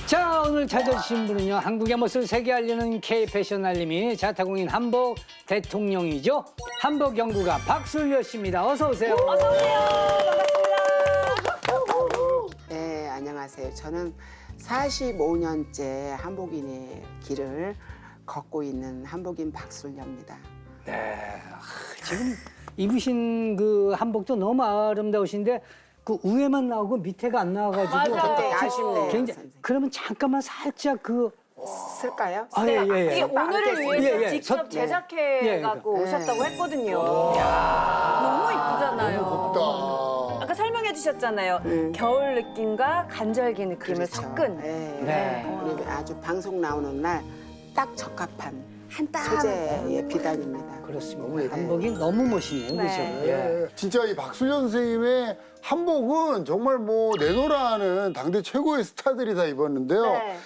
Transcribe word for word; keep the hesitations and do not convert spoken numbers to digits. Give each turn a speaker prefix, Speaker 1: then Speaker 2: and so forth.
Speaker 1: 자, 오늘 찾아주신 분은요, 한국의 멋을 세계 알리는 K 패션 알림이 자타공인 한복 대통령이죠. 한복 연구가 박술려 씨입니다. 어서 오세요.
Speaker 2: 어서 오세요.
Speaker 3: 네, 안녕하세요. 저는 사십오 년째 한복인의 길을 걷고 있는 한복인 박술려입니다.
Speaker 1: 네, 아, 지금 입으신 그 한복도 너무 아름다우신데 그 위에만 나오고 밑에가 안 나와가지고
Speaker 2: 맞아요.
Speaker 3: 굉장히 아쉽네요.
Speaker 1: 굉장히,
Speaker 3: 선생님.
Speaker 1: 그러면 잠깐만 살짝 그
Speaker 3: 쓸까요?
Speaker 1: 아, 예, 예, 예.
Speaker 2: 이게 오늘을 위해서
Speaker 1: 예, 예.
Speaker 2: 직접
Speaker 1: 저-
Speaker 2: 제작해
Speaker 1: 예,
Speaker 2: 갖고
Speaker 3: 예.
Speaker 2: 오셨다고 했거든요. 너무 이쁘잖아요.
Speaker 4: 덥다.
Speaker 2: 아까 설명해 주셨잖아요.
Speaker 3: 음.
Speaker 2: 겨울 느낌과 간절기 느낌을
Speaker 3: 그렇죠.
Speaker 2: 섞은.
Speaker 3: 네.
Speaker 1: 네.
Speaker 3: 그리고 아주 방송 나오는 날 딱 적합한
Speaker 2: 한 땀.
Speaker 3: 소재의 비단입니다.
Speaker 1: 그렇습니다. 한복이 너무 멋있네요, 그렇죠?
Speaker 2: 네.
Speaker 1: 예.
Speaker 4: 진짜 이 박술려 선생님의 한복은 정말 뭐 내노라하는 당대 최고의 스타들이 다 입었는데요.
Speaker 2: 네.